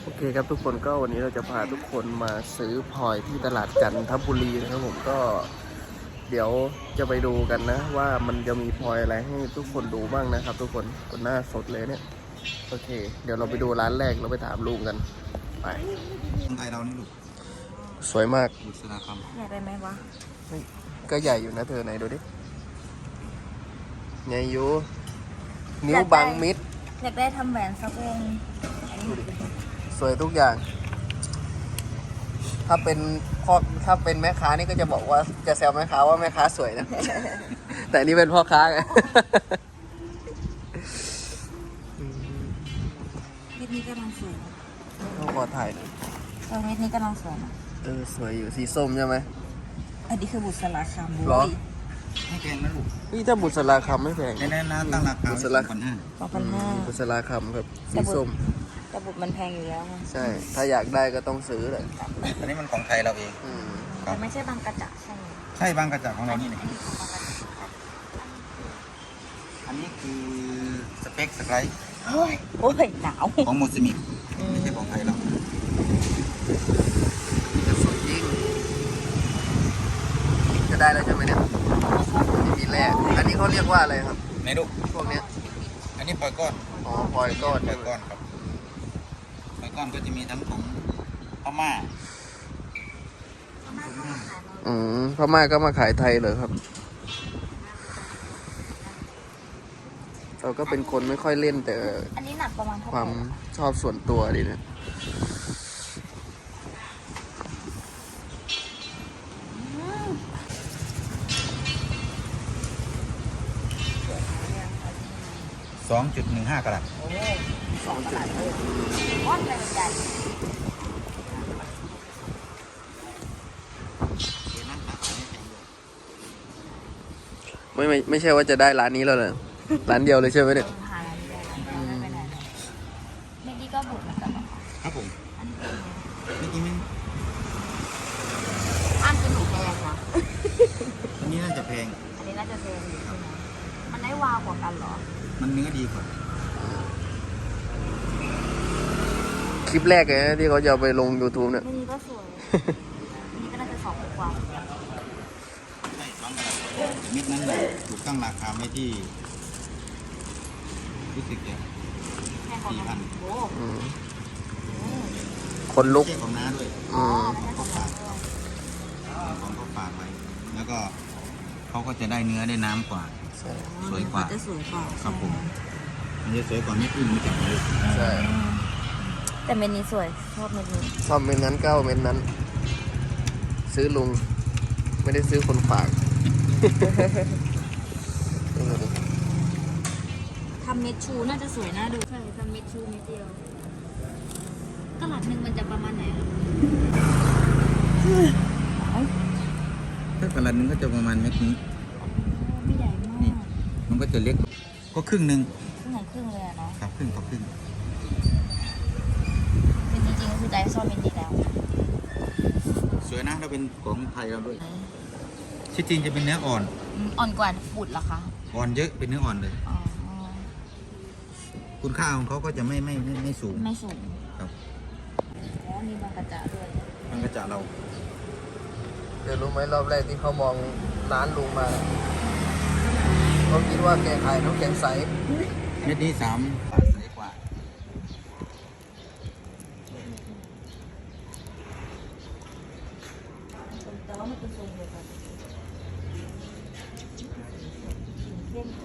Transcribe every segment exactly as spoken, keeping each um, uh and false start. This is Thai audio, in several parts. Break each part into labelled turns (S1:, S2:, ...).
S1: โอเคครับทุกคนก็วันนี้เราจะพาทุกคนมาซื้อพลอยที่ตลาดจันทบุรีนะครับผมก็เดี๋ยวจะไปดูกันนะว่ามันจะมีพลอยอะไรให้ทุกคนดูบ้างนะครับทุกคนคนหน้าสดเลยเนี่ยโอเคเดี๋ยวเราไปดูร้านแรกเราไปถามลุงกันไป
S2: คนไทยเรานี่ลูก
S1: สวยมาก
S2: บุษราค
S3: ใหญ่ไปไหมวะ
S1: ก็ใหญ่อยู่นะเธอไหนดูดิใหญ่อยู่นิ้วบางมิด
S3: อยากได้ทำแหวนสักวง
S1: ดูดิสวยทุกอย่าง ถ้าเป็นพ่อถ้าเป็นแม่ค้านี่ก็จะบอกว่าจะแซวแม่ค้าว่าแม่ค้าสวยนะ แต่นี่เป็นพ่อค้าไง
S3: เม็ดนี้กำลังสวย
S1: ต้องขอถ่ายหน่อย
S3: เออเม็ดนี้กำลังสวยนะ
S1: เออสวยอยู่สีส้มใช่ไหม
S3: อันนี้คือบุษราคำ
S1: หรอ
S2: ำไม่แพงนะลูก
S1: นี่ถ้าบุษราคำไม่แพง
S2: ในนั้นนะตั้งราคา
S1: บุษรา
S2: พันห้า
S3: สองพันห้า
S1: บุษราคำครับสีส้ม
S3: แต่บุตรมันแพงอยู่แล้วไง
S1: ใช่ ถ้าอยากได้ก็ต้องซื้อเลย
S2: อันนี้มันของไทยเราเอง
S1: อืม
S3: แต่ไม่ใช่บางกระจะใช่ไหม
S2: ใช่บางกระจากของเรานี่
S3: อันนี้ของบางกระจะ
S2: อันนี้คือสเปคสไลด์
S3: โอ้ยโอ้ยหนาว
S2: ของโมซิมิกไม่ใช่ของไทยเรา
S1: จะสวยจริงจะได้แล้วใช่ไหมเนี่ยนี่มีแร่อันนี้เขาเรียกว่าอะไรครับ
S2: ในลูก
S1: พวกเนี้ย
S2: อันนี้ปล่อยก้อน
S1: อ๋อพลอยก้อน
S2: ปล่อยก้อนครับปล่อยก้อนก็จะมีทั้งของพม่า
S1: อืมพม่าก็มาขายไทยเหรอครับ เราก็เป็นคนไม่ค่อยเล่นแต่
S3: อันนี้หนักประมาณเท่า
S1: ค
S3: ไหร่
S1: วามชอบส่วนตัวดีนะ
S2: สองจุดหนึ่งห้ากะรัต
S3: โอ้สองกระดาษเลยก้อนใหญ่ใหญ่
S1: ไม่ไม่ไม่ใช่ว่าจะได้ร้านนี้แล้วเหรอ ร้านเดียวเลยใช่ไหมเนี่ย
S3: หาอะไรไม่ได้ไม่ไปไหนเลยเม็ดนี้ก็บุตรเหมือนกันเหรอ
S2: ครับผม
S3: อันนี้เป็นไง
S2: เมื่อกี้มัน
S3: อันเป็นหนูแพงนะ
S2: อันนี้น่าจะแพง
S3: อันนี้น่าจะแพงอยู่ใช่ไหมมันได้วาวกว่ากันเหรอ
S2: มันเนื้อดีกว่า
S1: คลิปแรกเลยนะที่เขาจะเอาไปลง YouTube เนี่ย
S3: อันนี้ก็สวย อันนี้ก็น่าจะสองกว่า
S2: ใช่บางกะรัตมิดนั้นน่ะถูกตั้งราคาไว้ที่รู้สึกจะ
S3: แค่ของมันโอ้
S1: อืม
S3: โห
S1: คนลุก
S2: ไม่ใช่ของน้าด้วย
S1: อืม
S3: ไม่ใช่ของมันด้วย
S2: ของเขาฝากไว้ แล้วก็เขาก็จะได้เนื้อได้น้ำกว่า
S1: ใช่
S2: สวยกว่า
S3: จะสวยกว่า
S2: ครับผม มันจะสวยกว่าเม็ดอื่นไม่จับเลย
S1: ใช่
S3: แต่เม็ดนี้สวย ชอบเม็ดนี้
S1: ชอบเม็ดนั้นเก้าเม็ดนั้น ซื้อลุง ไม่ได้ซื้อคนฝาก เออ
S3: ทำเม็ดชูน่าจะสวยน่าดูใช่ทำเม็ดชูเม็ดเดียวตลาดหนึ่งมันจะประมาณไหนอะ
S2: ถ้ากระลันนึงก็จะประมาณเม็ดนี้
S3: ไม่ใหญ่มาก
S2: นี่ มันก็จะเล็ก ก็ครึ่งหนึ่ง
S3: ครึ่งไหนครึ่งเลยอะเนาะ
S2: ครับครึ่งต่อครึ่ง
S3: คือจริงๆก็คือใจชอบเม็ดนี้แล้ว
S2: สวยนะถ้าเป็นของไทยเราด้วยที่จริงจะเป็นเนื้ออ่อน
S3: อืมอ่อนกว่าบุตรเหรอคะ
S2: อ่อนเยอะเป็นเนื้ออ่อนเลย
S3: อ๋อ
S2: คุณค่าของเขาก็จะไม่ไม่ไม่ไม่สูง
S3: ไม่สูง
S2: ครับ
S3: อ๋อมีบางกระจะด้วย
S2: มันก็จะเรา
S1: เดี๋ยวรู้ไหมรอบแรกที่เขามองร้านลุงมาน่ะเขาคิดว่าแกขายน้ำแกงใส
S2: เม็ดนี้สามบาทใสกว่า
S3: แต่ว่ามันเป็นทรงเดียวกันเข้มกว่า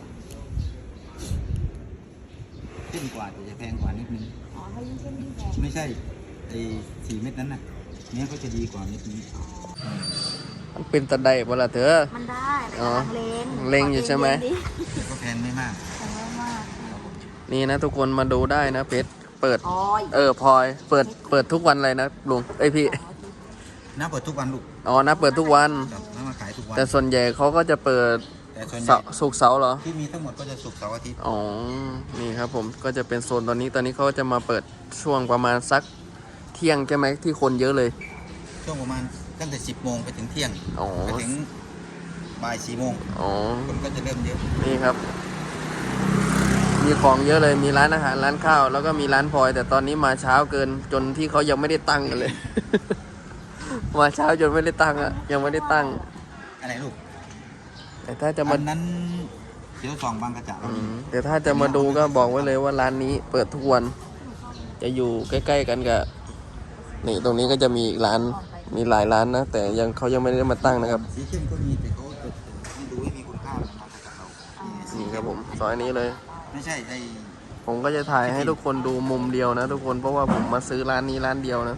S2: ขึ้นกว่าแต่จะแพงกว่านิดนึง
S3: อ๋อถ้ายิ่งเข้มยิ่งแพง
S2: ไม่ใช่ไอ้สี่เม็ดนั้นน่ะเนื้อก็จะดีกว่าเม็ดนี้
S1: มันเป็นตะไดบ่ล่ะเธอ
S3: มันได้แต่
S1: อ๋อ
S3: กำลังเลง
S1: เล็งอยู่ใช่ไหม
S3: ขอเล็งดิ
S2: แต่ก็แพงไม่มาก
S3: แพงมาก
S1: นี่นะทุกคนมาดูได้นะเพชรเปิด
S3: ๆอ๋อ
S1: เออพลอยเปิดเปิดทุกวันเลยนะลุงเอ้ยพี่
S2: น้าเปิดทุกวันลูก
S1: อ๋อนะเปิดทุกวัน
S2: ครับน้ามาขายทุกวัน
S1: แต่ส่วนใหญ่เขาก็จะเปิด
S2: แต่ส่วนให
S1: เสา
S2: ญ่
S1: ร์ศุกร์เสาร์เหรอ
S2: ที่มีทั้งหมดก็จะศุกร์เสาร์อาทิตย์
S1: อ๋อ นี่ครับผม ก็จะเป็นโซนตอนนี้ ตอนนี้เขาจะมาเปิดช่วงประมาณสักเที่ยงใช่ไหมที่คนเยอะเลย
S2: ช่วงประมาณตั้งแต่สิบโมงไปถึงเที่ยง
S1: อ๋อ
S2: ไปถึงบ่ายสี่โมง
S1: อ๋อ
S2: คนก็จะเริ่มเยอะ
S1: นี่ครับ มมีของเยอะเลยมีร้านอาหารร้านข้าวแล้วก็มีร้านพลอยแต่ตอนนี้มาเช้าเกินจนที่เขายังไม่ได้ตั้งกันเลย มาเช้าจนไม่ได้ตั้งอะยังไม่ได้ตั้ง
S2: อะไรลูก
S1: แต่ถ้าจะมา
S2: อันนั้นเดี๋ยวสองบางกระจ่า
S1: อืมแต่ถ้าจะมาดูก็บอกไว้เลยว่าร้านนี้เปิดทุกวัน จะอยู่ใกล้ๆกันกับนี่ตรงนี้ก็จะมีอีกร้านมีหลายร้านนะ แต่ยังเขายังไม่ได้มาตั้งนะครับ
S2: สีเข้มก็มีแต่เขาจะให้ดูให้มีคุณค่าของบางกระจ่าเรา
S1: นี่ครับผมซอยนี้เลย
S2: ไม่ใช่ไอ
S1: ผมก็จะถ่ายให้ทุกคนดูมุมเดียวนะทุกคนเพราะว่าผมมาซื้อร้านนี้ร้านเดียวนะ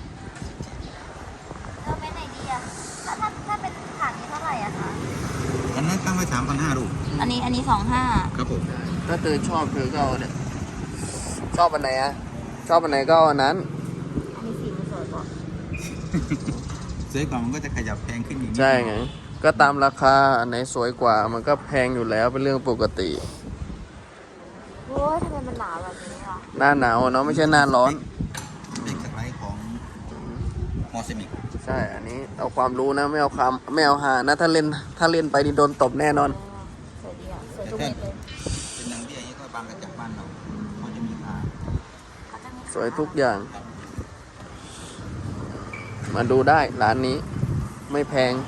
S3: เราไปไหนดีอะถ้าถ้าถ้าเป็นถาดนี้เท่าไหร่อะคะ
S2: อันนั้นตั้งไว้สามพันห้าลูก
S3: อันนี้อันนี้สองห้า
S2: ครับผม
S1: ถ้าเธอชอบเธอก็เอาเนี่ยชอบอันไหนอะชอบอันไหนก็เอาอันนั้น
S3: อันนี้สีมันสวยกว่า
S2: ซื้อก่อนมันก็จะขยับแพงขึ้นอีกนิด
S1: ใช่ไงก็ตามราคาอันไหนสวยกว่า มันก็แพงอยู่แล้วเป็นเรื่องปกติ
S3: โอ้ยทำไมมันหนาแบบนี้ล่ะ
S1: หน้าหนาวเนาะไม่ใช่หน้าร้อน
S2: เป็นสไลด์ของมอสมิก
S1: ใช่ อันนี้เอาความรู้นะไม่เอาความไม่เอาหานะถ้าเล่นถ้าเล่นไปนี่โดนตบแน่นอน
S3: สวยดีอะสวยทุกเม็ดเลย
S2: เป็นนางเบี้ยนี่ก็บางกระจ่าบ้านเราเขาจะมีค่า
S3: เขาจะมี
S1: สวยทุกอย่าง มาดูได้ร้านนี้ไม่แพง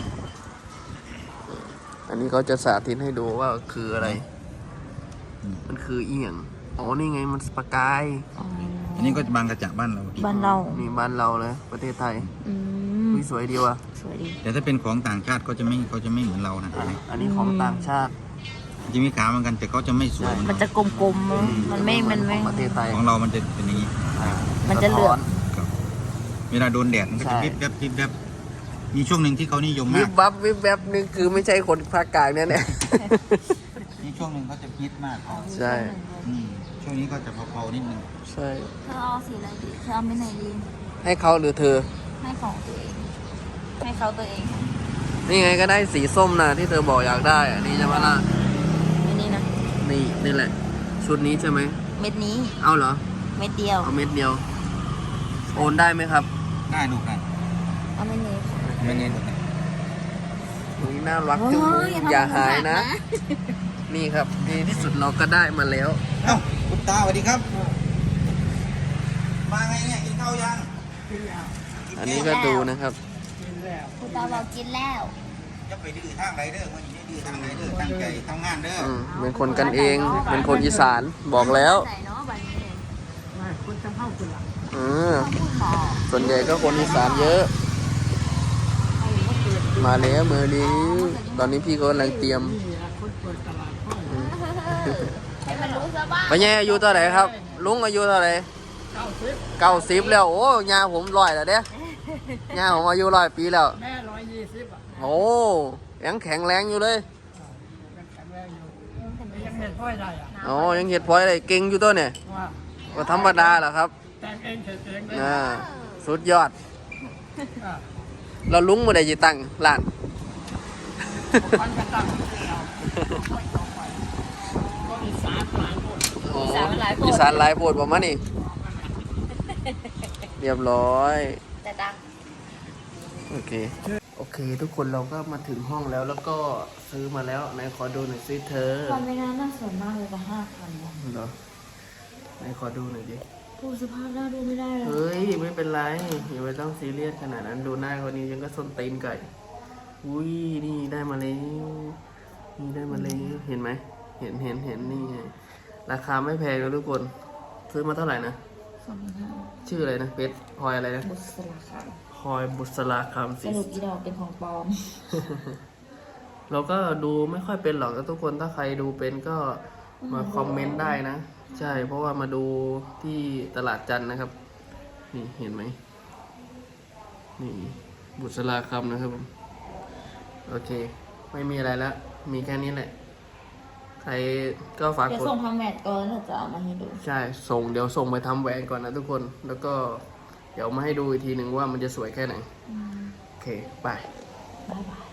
S1: อันนี้เขาจะสาธิตให้ดูว่าคืออะไร มันคือเอียงอ๋อนี่ไงมันสปากาย
S2: อันนี้ก็บางกระจ่าบ้านเรา
S3: บ้านเรา
S1: นี่บ้านเราเลยประเทศไทย
S3: อืม
S1: อุ๊ยสวยดีว่ะ
S3: สวยดี
S2: แต่ถ้าเป็นของต่างชาติเขาจะไม่เขาจะไม่เหมือนเรานะ
S1: อ่ะอันนี้ของต่างชาติ
S2: จะมีขาเหมือนกันแต่เขาจะไม่สวยเหมือน
S3: มัน
S2: เรา
S3: จะกลมๆ มันไม่ มันไม่
S1: ของประเทศไทย
S2: ของเรามันจะเป็นอย่างนี้
S1: อ่า
S3: มันจะเหลือง
S1: สท้
S2: ครับเวลาโดนแดดมันก็
S1: ใช่
S2: จะวิบแวบวิบแวบมีช่วงหนึ่งที่เขานิยม
S1: วิ
S2: มาก
S1: บวับวิบแวบนี่คือไม่ใช่คนภาคกลางเนี่ยเนี่ย
S2: มีช่วงหนึ่งเขาจะฮิตมาก
S1: ใช่
S2: อืมช่วงนี้ก็จะเผาๆนิดนึง
S1: ใช่
S3: เธอเอาสีอะไรดีเธอเอาไม่ไหนดี
S1: ให้เขาหรือเธอ
S3: ให้ของตัวเอง ให้เขาตัวเอง
S1: นี่ไงก็ได้สีส้มนะที่เธอบอกอยากได้อันนี้ใช่ไหมล่ะ
S3: ไม่นี่นะ
S1: นี่นี่แหละ ชุดนี้ใช่ไหม
S3: เม็ดนี้
S1: เอาเหรอ
S3: เม็ดเดียว
S1: เอาเม็ดเดียว โอนได้ไหมครับ
S2: ได้ลูกได้
S3: เอาไม่นี้
S2: ไม่เน้นลูกนะ
S1: อุ้ยน่ารักจุ๊บอย่าหายนะ นี่ครับดีที่สุดเราก็ได้มาแล้ว
S2: เอ้าคุณตาสวัสดีครับ มาไงเนี่ยกินข้าวยัง
S1: อันนี้ก็ดูนะครับ
S3: คุณตาบอกกินแล้ว
S2: จะไปดื้อทางไรเด้อวันนี้ดื้อทางไรเด้อตั้งใจทำงานเด้อ
S1: อืมเป็นคนกันเอง เป็นคนอีสานบอกแล้ว
S3: ใส่เนาะแบบนี้
S1: อืม
S3: พูดหมอ
S1: ส่วนใหญ่ก็คนอีสานเยอะ มาแล้วมือนี้ตอนนี้พี่ก็กำลังเตรียม
S3: ให้มันรู้ซะบ้าง
S1: ไปแย่อายุเท่าไหร่ครับ ลุงอายุเท่าไหร่เก้าสิบแล้วโอ้ยาผมร้อยแล้วเด้ยาผมอายุร้อยปีแล้ว
S4: แม่ร้อยยี่สิบอ่ะ
S1: โอ้ยังแข็งแรงอยู่เลย
S4: ยังแข็งแรงอยู่ยังเห็นพ่อยได้อ่ะ
S1: อ๋อยังเห็ดพลอยอะไรเก่งอยู่ตัวเนี่ย
S4: ว่า
S1: ก็ธรรมดาแหละครับ
S4: แต่งเองเสร็จเองได้
S1: อ่าสุดยอด
S4: อ่ะ
S1: เราลุงมาได้จีตังล้าน
S4: พันกระตังเราก็อีสานหลายคน
S1: โอ้อีสานหลายโพดประมาณนี้เรียบร้อย
S3: แต่ดัง
S1: โอเค โอเค ทุกคนเราก็มาถึงห้องแล้วแล้วก็ซื้อมาแล้วไหนขอดูหน่อยสิเธอ
S3: ตอนไม่น่าน่าสนมากเลยกับห้าพัน
S1: เหรอไหนขอดูหน่อยดิ
S3: ผู้สภาพน่าดูไม่ได้เลย
S1: เฮ้ย ไม่เป็นไรอย่าไปต้องซีเรียสขนาดนั้นดูหน้าคนนี้ยังก็ส้นตีนไก่ อุ้ยนี่ได้มาแล้วนี่ได้มาแล้วเห็นไหมเห็นเห็นเห็นนี่ไงราคาไม่แพงนะทุกคนซื้อมาเท่าไหร่นะ
S3: สองพันห้า
S1: ชื่ออะไรนะเพชรพลอยอะไรนะ
S3: บุษราค
S1: พลอยบุษราคำ
S3: ำส
S1: สี
S3: รุปอีดอกเป็นของปลอม
S1: เราก็ดูไม่ค่อยเป็นหรอกทุกคนถ้าใครดูเป็นก็มาคอมเมนต์ได้นะ ใช่เพราะว่ามาดูที่ตลาดจันทร์นะครับ นี่เห็นไหมนี่บุษราคำนะครับผมโอเค ไม่มีอะไรแล้ว มีแค่นี้แหละ ใครก็ฝาก
S3: เดี๋ยว
S1: กด
S3: ส่งทางแมทก่อนแล้วจะเอามาให้ดู
S1: ใช่ส่งเดี๋ยวส่งไปทำแหวนก่อนนะทุกคน แล้วก็เดี๋ยวมาให้ดูอีกทีหนึ่งว่ามันจะสวยแค่ไหน โอเค ไป
S3: บ๊ายบาย